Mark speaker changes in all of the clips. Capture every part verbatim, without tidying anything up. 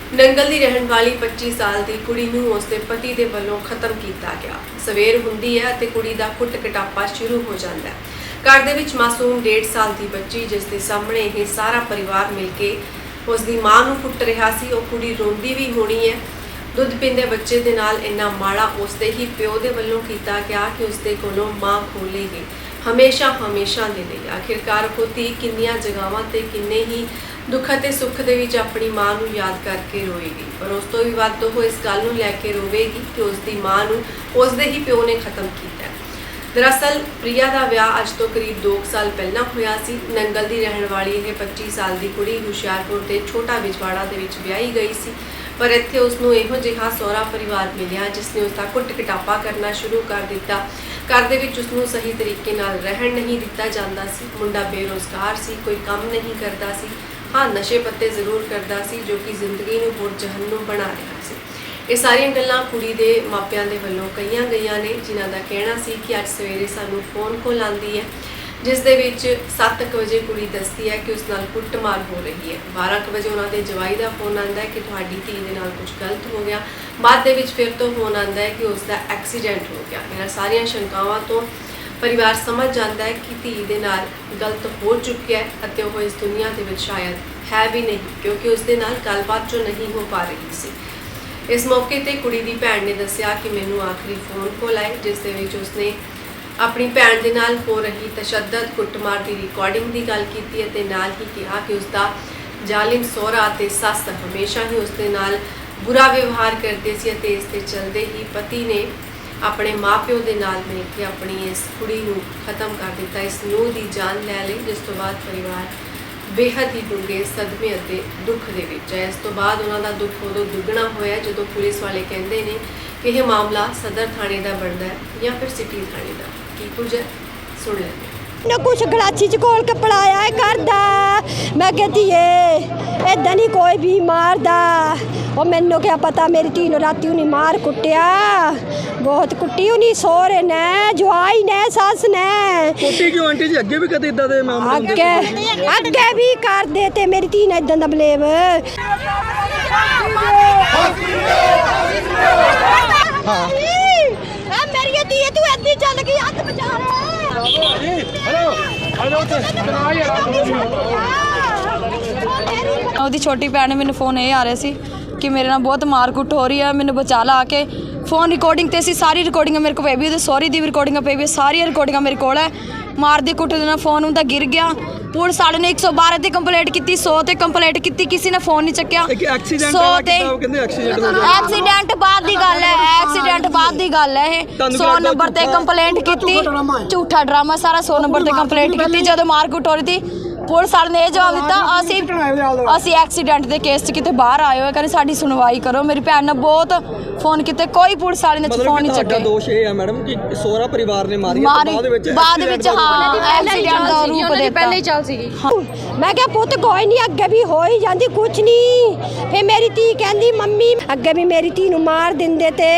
Speaker 1: नंगल की रहने वाली पच्चीस साल की कुड़ी नूं उसके पति के वलों खत्म किया गया। सवेर हुंदी है ते कुड़ी दा कुट कटापा शुरू हो जाता है। घर दे विच मासूम डेढ़ साल की बच्ची जिसके सामने यह सारा परिवार मिल के उसकी माँ नूं कुट रहा सी, वो कुड़ी रोंदी भी होनी है। दुध पींदे बच्चे दे नाल इन्ना माड़ा उसके ही प्यो के वलों किया गया कि उसके कोलों माँ खोलेगी हमेशा हमेशा दे लई। आखिरकार वो धी किन्नियां जगहावां ते किन्ने ही दुख ते सुख दे विच अपनी माँ नूं याद करके रोएगी, पर उस तो भी वध वो इस गल नूं लैके रोवेगी कि उसकी माँ नूं उसदे ही प्यो ने खत्म किया है। दरअसल प्रिया का विआह अज तो करीब दो साल पहला होया सी। नंगल की रहने वाली यह पच्चीस साल की कुड़ी हुशियारपुर के छोटा बिजवाड़ा दे विच विआही गई सी, पर इत्थे उसनूं इहो जिहा सहुरा परिवार मिलिया जिसने उसका कुट कटापा करना शुरू कर दिता। घर दे विच उसनूं सही तरीके नाल रहण नहीं दिता जांदा सी। मुंडा बेरोजगार सी, कोई काम नहीं करता सी। हाँ, नशे पत्ते जरूर करता सी जो कि जिंदगी नूं होर जहन्नुम बना रहा सी। ये सारियां गल्लां कुड़ी दे मापियां दे वल्लों कईयां गईयां ने, जिन्हां दा कहना सी कि अज सवेरे सानूं फोन कॉल आंदी है जिस दे विच सत्त बजे कुड़ी दसदी है कि उस नाल कुੱਟਮਾਰ हो रही है। बारह बजे उन्हां दे जवाई दा फोन आंदा है कि तुहाडी धी दे नाल कुछ गलत हो गया। बाद दे विच फिर तो फोन आंदा है कि उसका एक्सीडेंट हो गया। इन्हां सारियां शंकावां तो परिवार समझ जाता है कि धी दे नाल गलत हो चुका है अते वो इस दुनिया दे विच शायद है भी नहीं, क्योंकि उसदे नाल गलबात जो नहीं हो पा रही सी। इस मौके ते कुड़ी दी भैन ने दस्सिया कि मैनू आखिरी फोन कॉल आए जिस दे विच उसने अपनी भैन दे नाल हो रही तशद्दद कुੱਟਮਾਰ की रिकॉर्डिंग की गल की ते नाल ही कहा कि उसका जालिम सहुरा ते सस हमेशा ही उसदे नाल बुरा व्यवहार करते सी ते इस दे चलदे ही पति ने अपने माँ प्यो के नाल मिल के अपनी इस कुड़ी नूं खत्म कर दिता, इस नूह की जान लै ली, जिस तो बाद परिवार बेहद ही डूंगे सदमे अते दुख दे विच है। इस तो बाद उन्हां दा दुख उदों दुगना होया जदों पुलिस वाले कहंदे ने कि यह मामला सदर थाने का बनता है या फिर सिटी थाने का। की कुछ है सुन लेंगे।
Speaker 2: ना कुछ गलाची च घोल के पलाया है घर दा। मैं कहती है इदा नहीं कोई भी मारदा। और मैनू क्या पता मेरी धी नूं राती उन्हें मार कुटिया, बहुत कुटी उन्हें सोहरे ने जवाई ने सस ने
Speaker 3: कुटी क्यों आंटी जी? अगे भी कदे इदा दे मामले
Speaker 2: अगे अगे भी कर दे ते मेरी धी ने इदा दा बलेव।
Speaker 3: हाँ
Speaker 2: मेरी धी तू ऐदी चल गई हथ बचा
Speaker 4: ਉਹਦੀ ਛੋਟੀ ਭੈਣ ਨੇ ਮੈਨੂੰ ਫੋਨ ਇਹ ਆ ਰਿਹਾ ਸੀ ਕਿ ਮੇਰੇ ਨਾਲ ਬਹੁਤ ਮਾਰ ਕੁੱਟ ਹੋ ਰਹੀ ਹੈ, ਮੈਨੂੰ ਬਚਾ ਲਾ ਕੇ। ਫੋਨ ਰਿਕਾਰਡਿੰਗ ਤੇ ਸੀ, ਸਾਰੀ ਰਿਕਾਰਡਿੰਗਾਂ ਮੇਰੇ ਕੋਲ ਪਈ ਵੀ, ਉਹਦੇ ਸੌਰੀ ਦੀ ਰਿਕਾਰਡਿੰਗਾਂ ਪਈ ਵੀ, ਸਾਰੀਆਂ ਰਿਕਾਰਡਿੰਗਾਂ ਮੇਰੇ ਕੋਲ ਹੈ। ਮਾਰਦੀ ਕੁੱਟ ਦੇ ਨਾਲ ਫੋਨ ਉਹਦਾ ਗਿਰ ਗਿਆ। ਪੁਲਿਸ ਵਾਲੇ ਨੇ ਇੱਕ ਸੌ ਬਾਰਾਂ ਤੇ ਕੰਪਲੇਂਟ ਕੀਤੀ, ਸੌ ਤੇ ਕੰਪਲੇਂਟ ਕੀਤੀ, ਕਿਸੇ ਨੇ ਫੋਨ ਨਹੀਂ ਚੱਕਿਆ।
Speaker 3: ਐਕਸੀਡੈਂਟ
Speaker 4: ਸੌ ਤੇ
Speaker 3: ਕਹਿੰਦੇ ਐਕਸੀਡੈਂਟ ਹੋ ਗਿਆ।
Speaker 4: ਐਕਸੀਡੈਂਟ ਬਾਅਦ ਦੀ ਗੱਲ ਹੈ, ਐਕਸੀਡੈਂਟ ਬਾਅਦ ਦੀ ਗੱਲ ਹੈ। ਇਹ ਸੌ ਨੰਬਰ ਤੇ ਕੰਪਲੇਂਟ ਕੀਤੀ, ਝੂਠਾ ਡਰਾਮਾ ਸਾਰਾ। ਸੌ ਨੰਬਰ ਤੇ ਕੰਪਲੇਂਟ ਕੀਤੀ ਜਦੋਂ ਮਾਰ ਕੁੱਟ ਹੋ ਰਹੀ ਸੀ। ਪੁਲਿਸ ਵਾਲੇ ਨੇ ਇਹ ਜਵਾਬ ਦਿੱਤਾ ਅਸੀਂ ਅਸੀਂ ਐਕਸੀਡੈਂਟ ਦੇ ਕੇਸ 'ਚ ਕਿਤੇ ਬਾਹਰ ਆਏ ਹੋਏ, ਕਹਿੰਦੇ ਸਾਡੀ ਸੁਣਵਾਈ ਕਰੋ। ਮੇਰੀ ਭੈਣ ਨੇ ਬਹੁਤ ਫੋਨ ਕੀਤੇ, ਕੋਈ ਪੁਲਿਸ ਵਾਲੇ ਨੇ ਫੋਨ ਨਹੀਂ ਚੱਕਿਆ।
Speaker 3: ਦੋਸ਼ ਇਹ ਹੈ ਮੈਡਮ ਕਿ ਸਹੁਰਾ ਪਰਿਵਾਰ ਨੇ ਮਾਰੀ
Speaker 4: ਬਾਅਦ ਵਿੱਚ ਬਾਅਦ ਵਿੱਚ ਹਾਂ ਐਕਸੀਡੈਂਟ ਦਾ ਰੂਪ ਦੇ ਪਹਿਲੇ ਹੀ ਚੱਲ ਸੀਗੀ।
Speaker 2: मैं क्या पुत कोई नहीं अगे भी हो ही जाती कुछ नहीं। फिर मेरी धी कहती मम्मी अगे भी मेरी धी नूं मार दिंदे ते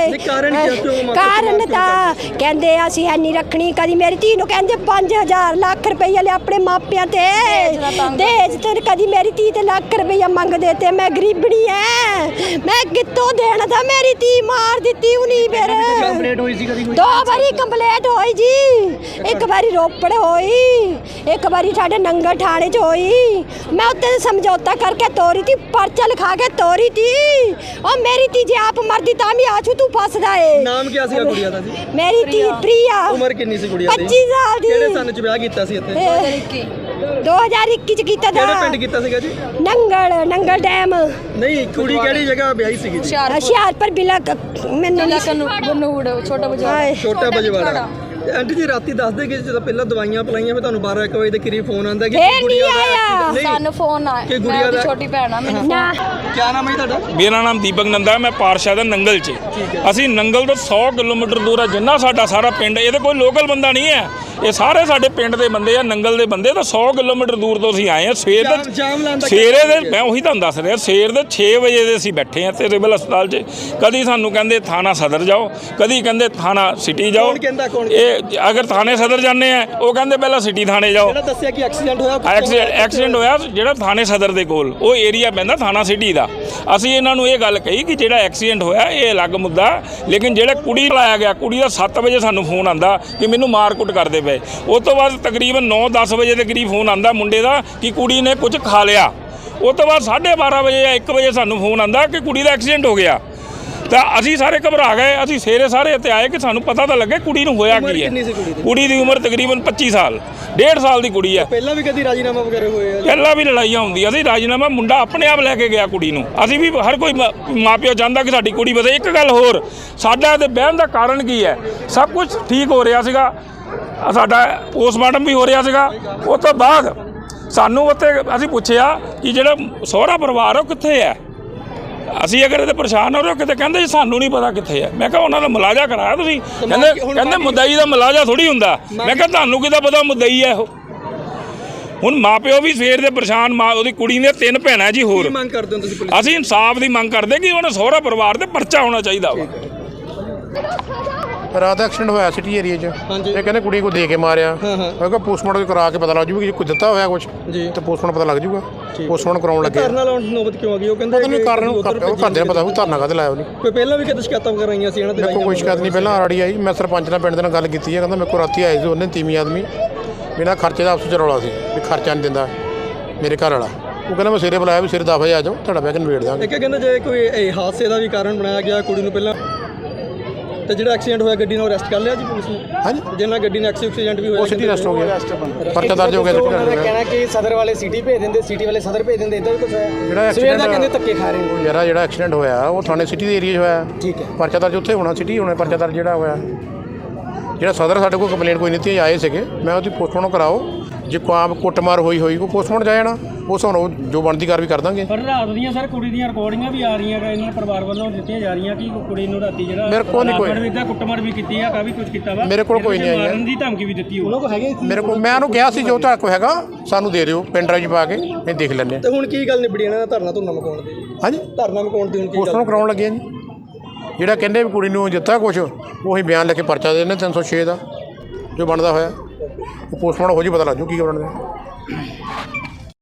Speaker 2: कारण था कहते असीं है नहीं रखनी। कदी मेरी धी नूं कहंदे पांच हजार लाख रुपया ले अपने मापियां ते दहेज ते, कदी मेरी धी ते लाख रुपया मंगदे ते मैं गरीबड़ी है मैं कितों देना था। मेरी धी मार दित्ती उन्हीं फिर दो बारी कंप्लेंट होई जी, एक बारी रोपड़ होई, एक बारी साडे नंगल थाने होई। मैं उत्ते समझौता करके तोरी थी, पर्चा लिखा के तोरी थी। और मेरी धी जे आप मरदी तां भी आछू तू फसदा है।
Speaker 3: नाम क्या सीगा कुड़िया दा जी?
Speaker 2: मेरी धी प्रिया।
Speaker 3: उम्र कितनी सी कुड़िया दी?
Speaker 2: पच्चीस साल दी।
Speaker 3: किहड़े सन च ब्याह कीता सी इत्थे?
Speaker 2: दो हज़ार इक्की च कीता था।
Speaker 3: किहड़े पिंड कीता सीगा जी?
Speaker 2: नंगल नंगल डैम।
Speaker 3: नहीं कुड़ी किहड़ी जगह ब्याही सीगी जी?
Speaker 2: हुशियारपुर बिला मैनू
Speaker 4: ਬਨੂੜ ਛੋਟਾ ਬਜਾਰ
Speaker 3: छोटा बजवाड़ा। आंटी जी राती दस दे कि ਜਦੋਂ ਪਹਿਲਾਂ ਦਵਾਈਆਂ ਪਲਾਈਆਂ ਫਿਰ ਤੁਹਾਨੂੰ ਬਾਰਾਂ ਇੱਕ ਵਜੇ ਦੇ ਕਰੀਬ ਫੋਨ ਆਂਦਾ ਕਿ
Speaker 2: ਗੁੜੀਆ ਦਾ
Speaker 4: ਸਾਨੂੰ ਫੋਨ ਆਇਆ
Speaker 3: ਕਿ ਗੁੜੀਆ ਦਾ
Speaker 4: ਛੋਟੀ ਭੈਣ ਆ ਮੈਨੂੰ।
Speaker 3: ਕੀ ਨਾਮ ਹੈ ਤੁਹਾਡਾ?
Speaker 5: ਮੇਰਾ ਨਾਮ ਦੀਪਕ ਨੰਦਾ, ਮੈਂ ਪਾਰਸ਼ਾ ਦਾ ਨੰਗਲ 'ਚ। ਅਸੀਂ ਨੰਗਲ ਤੋਂ ਸੌ ਕਿਲੋਮੀਟਰ ਦੂਰ ਆ, ਜਿੰਨਾ ਸਾਡਾ ਸਾਰਾ ਪਿੰਡ, ਇਹਦੇ ਕੋਈ ਲੋਕਲ ਬੰਦਾ ਨਹੀਂ ਹੈ, ਇਹ ਸਾਰੇ ਸਾਡੇ ਪਿੰਡ ਦੇ ਬੰਦੇ ਆ, ਨੰਗਲ ਦੇ ਬੰਦੇ। ਤਾਂ ਸੌ ਕਿਲੋਮੀਟਰ ਦੂਰ ਤੋਂ ਅਸੀਂ ਆਏ ਹਾਂ। ਸਵੇਰ ਦੇ ਸਵੇਰੇ ਦੇ ਮੈਂ ਉਹੀ ਤੁਹਾਨੂੰ ਦੱਸ ਰਿਹਾ, ਸਵੇਰ ਦੇ ਛੇ ਵਜੇ ਦੇ ਅਸੀਂ ਬੈਠੇ ਹਾਂ ਤੇ ਸਿਵਲ ਹਸਪਤਾਲ 'ਚ। ਕਦੀ ਸਾਨੂੰ ਕਹਿੰਦੇ ਥਾਣਾ ਸਦਰ ਜਾਓ, ਕਦੀ ਕਹਿੰਦੇ ਥਾਣਾ ਸਿਟੀ ਜਾਓ। ਇਹ ਅਗਰ ਥਾਣੇ ਸਦਰ ਜਾਂਦੇ ਆ ਉਹ ਕਹਿੰਦੇ ਪਹਿਲਾਂ ਸਿਟੀ ਥਾਣੇ ਜਾਓ।
Speaker 3: ਜਿਹੜਾ ਦੱਸਿਆ ਕਿ ਐਕਸੀਡੈਂਟ ਹੋਇਆ,
Speaker 5: ਐਕਸੀਡੈਂਟ ਐਕਸੀਡੈਂਟ ਹੋਇਆ ਜਿਹੜਾ ਥਾਣੇ ਸਦਰ ਦੇ ਕੋਲ, ਉਹ ਏਰੀਆ ਪੈਂਦਾ ਥਾਣਾ ਸਿਟੀ ਦਾ। ਅਸੀਂ ਇਹਨਾਂ ਨੂੰ ਇਹ ਗੱਲ ਕਹੀ ਕਿ ਜਿਹੜਾ ਐਕਸੀਡੈਂਟ ਹੋਇਆ ਇਹ ਅਲੱਗ ਮੁੱਦਾ, ਲੇਕਿਨ ਜਿਹੜਾ ਕੁੜੀ ਲਾਇਆ ਗਿਆ, ਕੁੜੀ ਦਾ ਸੱਤ ਵਜੇ ਸਾਨੂੰ ਫੋਨ ਆਂਦਾ ਕਿ ਮੈਨੂੰ ਮਾਰ ਕੁੱਟ ਕਰਦੇ ਪਏ। ਉਸ ਤੋਂ ਬਾਅਦ ਤਕਰੀਬਨ ਨੌ ਦਸ ਵਜੇ ਦੇ ਕਰੀਬ ਫੋਨ ਆਂਦਾ ਮੁੰਡੇ ਦਾ ਕਿ ਕੁੜੀ ਨੇ ਕੁਝ ਖਾ ਲਿਆ। ਉਸ ਤੋਂ ਬਾਅਦ ਸਾਢੇ ਬਾਰਾਂ ਵਜੇ ਜਾਂ ਇੱਕ ਵਜੇ ਸਾਨੂੰ ਫੋਨ ਆਂਦਾ ਕਿ ਕੁੜੀ ਦਾ ਐਕਸੀਡੈਂਟ ਹੋ ਗਿਆ। ਤਾਂ ਅਸੀਂ ਸਾਰੇ ਘਬਰਾ ਗਏ। ਅਸੀਂ ਸਵੇਰੇ ਸਾਰੇ ਇੱਥੇ ਆਏ ਕਿ ਸਾਨੂੰ ਪਤਾ ਤਾਂ ਲੱਗੇ ਕੁੜੀ ਨੂੰ ਹੋਇਆ ਕੀ ਹੈ। ਕੁੜੀ ਦੀ ਉਮਰ ਤਕਰੀਬਨ ਪੱਚੀ ਸਾਲ, ਡੇਢ ਸਾਲ ਦੀ ਕੁੜੀ ਹੈ।
Speaker 3: ਪਹਿਲਾਂ ਵੀ ਕਦੀ ਰਾਜੀਨਾਮਾ ਵਗੈਰਾ ਹੋਏ ਆ?
Speaker 5: ਪਹਿਲਾਂ ਵੀ ਲੜਾਈਆਂ ਹੁੰਦੀਆਂ ਸੀ। ਰਾਜੀਨਾਮਾ ਮੁੰਡਾ ਆਪਣੇ ਆਪ ਲੈ ਕੇ ਗਿਆ ਕੁੜੀ ਨੂੰ। ਅਸੀਂ ਵੀ ਹਰ ਕੋਈ ਮਾਪਿਓ ਚਾਹੁੰਦਾ ਕਿ ਸਾਡੀ ਕੁੜੀ ਵਸੇ। ਇੱਕ ਗੱਲ ਹੋਰ, ਸਾਡਾ ਤੇ ਬਹਿਣ ਦਾ ਕਾਰਨ ਕੀ ਹੈ? ਸਭ ਕੁਝ ਠੀਕ ਹੋ ਰਿਹਾ ਸੀਗਾ, ਸਾਡਾ ਪੋਸਟਮਾਰਟਮ ਵੀ ਹੋ ਰਿਹਾ ਸੀਗਾ। ਉਸ ਤੋਂ ਬਾਅਦ ਸਾਨੂੰ ਉੱਥੇ ਅਸੀਂ ਪੁੱਛਿਆ ਕਿ ਜਿਹੜਾ ਸਹੁਰਾ ਪਰਿਵਾਰ ਉਹ ਕਿੱਥੇ ਹੈ, ਅਸੀਂ ਅਗਰ ਇਹਦੇ ਪਰੇਸ਼ਾਨ ਹੋ ਰਹੇ ਹੋ ਕਿਤੇ, ਕਹਿੰਦੇ ਜੀ ਸਾਨੂੰ ਨਹੀਂ ਪਤਾ ਕਿੱਥੇ ਹੈ। ਮੈਂ ਕਿਹਾ ਉਹਨਾਂ ਦਾ ਮੁਲਾਜ਼ਾ ਕਰਾਇਆ ਤੁਸੀਂ? ਕਹਿੰਦੇ ਕਹਿੰਦੇ ਮੁਦਈ ਦਾ ਮੁਲਾਜ਼ਾ ਥੋੜੀ ਹੁੰਦਾ। ਮੈਂ ਕਿਹਾ ਤੁਹਾਨੂੰ ਕਿੱਦਾਂ ਪਤਾ ਮੁਦਈ ਹੈ ਉਹ? ਹੁਣ ਮਾਪਿਓ ਵੀ ਸਵੇਰ ਦੇ ਪਰੇਸ਼ਾਨ। ਮਾਂ ਉਹਦੀ ਕੁੜੀ ਨੇ ਤਿੰਨ ਭੈਣਾਂ ਜੀ ਹੋਰ।
Speaker 3: ਮੰਗ ਕਰਦੇ ਹੋ ਤੁਸੀਂ ਪੁਲਿਸ?
Speaker 5: ਅਸੀਂ ਇਨਸਾਫ ਦੀ ਮੰਗ ਕਰਦੇ ਕਿ ਉਹਨਾਂ ਸਹੁਰਾ ਪਰਿਵਾਰ ਤੇ ਪਰਚਾ ਹੋਣਾ ਚਾਹੀਦਾ ਵਾ।
Speaker 6: ਰਾਤ ਦਾ ਐਕਸੀਡੈਂਟ ਹੋਇਆ ਸਿਟੀ ਏਰੀਆ 'ਚ। ਇਹ ਕਹਿੰਦੇ ਕੁੜੀ ਕੋ ਦੇ ਕੇ ਮਾਰਿਆ। ਮੈਂ ਕਿਹਾ ਪੋਸਟਮਾਰਟਮ ਕਰਾ ਕੇ ਪਤਾ ਲੱਗ ਜੂਗਾ ਕਿ ਕੋਈ ਦਿੱਤਾ ਹੋਇਆ ਕੁਝ ਤੇ ਪੋਸਟਮਾਰਟਮ ਪਤਾ ਲੱਗ ਜੂਗਾ। ਪੋਸਟਮਾਰਟਮ ਕਰਾਉਣ ਲੱਗੇ।
Speaker 3: ਧਰਨਾ ਲਾਉਣ ਦੀ ਨੌਬਤ ਕਿਉਂ ਆ ਗਈ? ਉਹ ਕਹਿੰਦੇ
Speaker 6: ਪਤਾ ਨਹੀਂ ਕਾਰਨ ਉਹ ਘਰਦਿਆਂ ਨੂੰ ਪਤਾ ਹੋਊ ਧਰਨਾ ਕਾਹਦੇ ਲਾਇਆ ਉਹਨੇ।
Speaker 3: ਕੋਈ ਪਹਿਲਾਂ ਵੀ ਕਿਤੇ ਸ਼ਿਕਾਇਤਾਂ ਵਗੈਰਾ ਆਈਆਂ ਸੀ ਇਹਨਾਂ ਦੇ?
Speaker 6: ਦੇਖੋ ਕੋਈ ਸ਼ਿਕਾਇਤ ਨਹੀਂ ਪਹਿਲਾਂ ਆੜੀ ਆਈ। ਮੈਂ ਸਰਪੰਚ ਨਾਲ ਪਿੰਡ ਦੇ ਨਾਲ ਗੱਲ ਕੀਤੀ ਹੈ। ਕਹਿੰਦਾ ਮੇਰੇ ਕੋਲ ਰਾਤੀ ਆਏ ਸੀ ਉਹਨੇ ਤੀਵੀਂ ਆਦਮੀ, ਬਿਨਾਂ ਖਰਚੇ ਦਾ ਆਪਸ 'ਚ ਰੌਲਾ ਸੀ ਵੀ ਖਰਚਾ ਨਹੀਂ ਦਿੰਦਾ ਮੇਰੇ ਘਰ ਵਾਲਾ। ਉਹ ਕਹਿੰਦਾ ਮੈਂ ਸਵੇਰੇ ਬੁਲਾਇਆ ਵੀ ਸਵੇਰੇ ਦਸ ਵਜੇ ਆ ਜਾਓ, ਤੁਹਾਡਾ ਬਹਿ ਕੇ ਨਿਬੇੜ ਦਾਂਗੇ।
Speaker 3: ਇੱਕ ਕਹਿੰਦੇ ਜੇ ਕੋਈ ਇਹ ਹਾਦਸੇ ਦਾ ਵੀ ਕਾਰਨ ਬਣਾਇਆ ਗਿਆ ਕੁੜੀ ਨੂੰ ਪਹਿਲਾਂ, ਤੇ ਜਿਹੜਾ ਐਕਸੀਡੈਂਟ ਹੋਇਆ ਗੱਡੀ ਨੂੰ ਅਰੈਸਟ ਕਰ ਲਿਆ ਜੀ ਪੁਲਿਸ ਨੇ?
Speaker 6: ਹਾਂਜੀ,
Speaker 3: ਜਿਹਨਾਂ ਗੱਡੀ ਨਾਲ ਐਕਸੀਡੈਂਟ ਵੀ ਹੋਇਆ
Speaker 6: ਉਹ ਸਿਟੀ ਅਰੈਸਟ ਹੋ ਗਿਆ, ਪਰਚਾ ਦਰਜ ਹੋ ਗਿਆ।
Speaker 7: ਕਹਿਣਾ ਕਿ ਸਦਰ ਵਾਲੇ ਸਿਟੀ ਭੇਜ ਦਿੰਦੇ, ਸਿਟੀ ਵਾਲੇ ਸਦਰ ਭੇਜ ਦਿੰਦੇ, ਇਦਾਂ ਵੀ ਕੁਝ ਹੋਇਆ?
Speaker 6: ਜਿਹੜਾ
Speaker 7: ਸਵੇਰ ਦਾ ਕਹਿੰਦੇ ਧੱਕੇ ਖਾ ਰਹੇ ਹੋ
Speaker 6: ਯਾਰਾ। ਜਿਹੜਾ ਐਕਸੀਡੈਂਟ ਹੋਇਆ ਉਹ ਥਾਣੇ ਸਿਟੀ ਦੇ ਏਰੀਆ 'ਚ ਹੋਇਆ।
Speaker 7: ਠੀਕ ਹੈ,
Speaker 6: ਪਰਚਾ ਦਰਜ ਉੱਥੇ ਹੋਣਾ, ਸਿਟੀ ਹੋਣਾ ਪਰਚਾ ਦਰਜ ਜਿਹੜਾ ਹੋਇਆ। ਜਿਹੜਾ ਸਦਰ ਸਾਡੇ ਕੋਲ ਕੰਪਲੇਂਟ ਕੋਈ ਨਹੀਂ ਤੀ ਆਏ ਸੀਗੇ, ਮੈਂ ਉਹਦੀ ਪੋਸਟਮਾਰਟਮ ਕਰਾਓ। ਜੇ ਕੋਈ ਆਮ ਕੁੱਟਮਾਰ ਹੋਈ ਹੋਈ ਉਹ ਪੋਸਟਮਾਰਟਮ ਜਾ ਜਾਣਾ, ਉਸ ਹੁਣ ਜੋ ਬਣਦੀ ਕਾਰਵਾਈ ਕਰ ਦਾਂਗੇ।
Speaker 8: ਪਰ ਰਾਤ ਦੀਆਂ ਸਰ ਕੁੜੀ ਦੀਆਂ ਰਿਕਾਰਡਿੰਗਾਂ ਵੀ ਆ ਰਹੀਆਂ ਇਹਨਾਂ ਪਰਿਵਾਰ ਵੱਲੋਂ ਦਿੱਤੀਆਂ ਜਾ ਰਹੀਆਂ ਕਿ ਕੁੜੀ ਨੂੰ ਰਾਤੀ ਜਿਹੜਾ
Speaker 6: ਮੇਰੇ ਕੋਲ ਨਹੀਂ ਕੋਈ
Speaker 8: ਇਦਾਂ ਕੁੱਟਮਾਰ ਵੀ ਕੀਤੀ ਆ, ਕਾਫੀ ਕੁਝ ਕੀਤਾ ਵਾ।
Speaker 6: ਮੇਰੇ ਕੋਲ ਕੋਈ ਨਹੀਂ ਆਈ ਹੈ।
Speaker 8: ਮਾਰਨ ਦੀ ਧਮਕੀ ਵੀ ਦਿੱਤੀ ਉਹਨਾਂ ਕੋਲ ਹੈਗੇ।
Speaker 6: ਮੇਰੇ ਕੋਲ ਮੈਂ ਉਹਨੂੰ ਕਿਹਾ ਸੀ ਜੋ ਤੁਹਾਡੇ ਕੋਲ ਹੈਗਾ ਸਾਨੂੰ ਦੇ ਦਿਓ, ਪਿੰਡ ਰਾਜ ਪਾ ਕੇ ਅਸੀਂ ਦੇਖ ਲੈਂਦੇ ਹਾਂ।
Speaker 3: ਤੇ ਹੁਣ ਕੀ ਗੱਲ ਨਿਬੜੀ ਇਹਨਾਂ ਦਾ ਧਰਨਾ ਧੁਰਨਾ ਮਕਾਉਣ ਦੀ?
Speaker 6: ਹਾਂਜੀ,
Speaker 3: ਧਰਨਾ ਮਕਾਉਣ ਦੀ ਹੁਣ ਕੀ
Speaker 6: ਪੋਸਟਮਾਰਟਮ ਕਰਾਉਣ ਲੱਗੇ ਜੀ। ਜਿਹੜਾ ਕਹਿੰਦੇ ਵੀ ਕੁੜੀ ਨੂੰ ਦਿੱਤਾ ਕੁਛ, ਉਹੀ ਬਿਆਨ ਲੈ ਕੇ ਪਰਚਾ ਦੇ ਦਿੰਦੇ ਤਿੰਨ ਸੌ ਛੇ ਦਾ ਜੋ ਬਣਦਾ ਹੋਇਆ। ਉਹ ਪੋਸਟਮਾਰਟਮ ਹੋ ਜੀ ਪਤਾ ਲੱਗ ਜੂ ਕੀ ਬਣਦਾ।